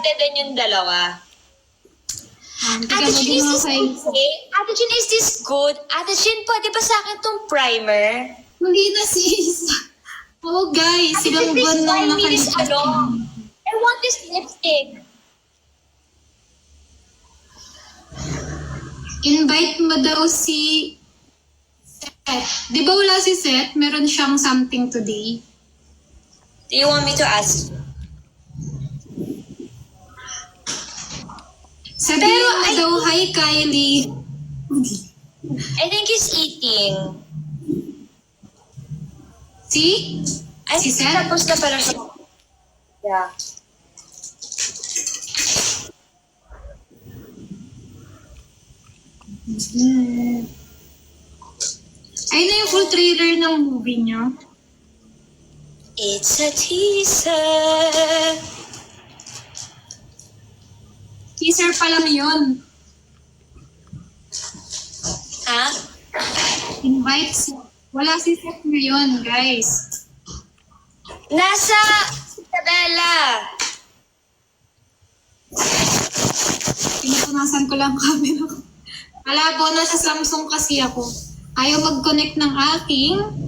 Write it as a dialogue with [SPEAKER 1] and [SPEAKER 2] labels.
[SPEAKER 1] excited din yung dalawa. Ate Chin, is this okay? Ate Chin, is this good? Ate Chin, pwede ba sa akin tong primer?
[SPEAKER 2] Hindi na sis. Oh guys,
[SPEAKER 1] Ate
[SPEAKER 2] ilang
[SPEAKER 1] Chin,
[SPEAKER 2] buwan
[SPEAKER 1] please
[SPEAKER 2] nang
[SPEAKER 1] buy me this
[SPEAKER 2] nakalipas.
[SPEAKER 1] I want this lipstick.
[SPEAKER 2] Invite mo daw si Seth. Di ba wala si Seth? Meron siyang something today.
[SPEAKER 1] Do you want me to ask?
[SPEAKER 2] Sabihin mo daw, hi Kylie.
[SPEAKER 1] I think he's eating.
[SPEAKER 2] See?
[SPEAKER 1] I
[SPEAKER 2] Si
[SPEAKER 1] think
[SPEAKER 2] Seth?
[SPEAKER 1] tapos na pala siya. Yeah.
[SPEAKER 2] Ayun na yung full trailer ng movie niyo.
[SPEAKER 1] It's a teaser.
[SPEAKER 2] Teaser pa lang yun.
[SPEAKER 1] Ha?
[SPEAKER 2] Invite si... Wala si Seth ngayon, guys.
[SPEAKER 1] Nasa Isabela.
[SPEAKER 2] Pinupunasan ko lang camera ko. Malabo, nasa Samsung kasi ako. Ayaw mag-connect ng aking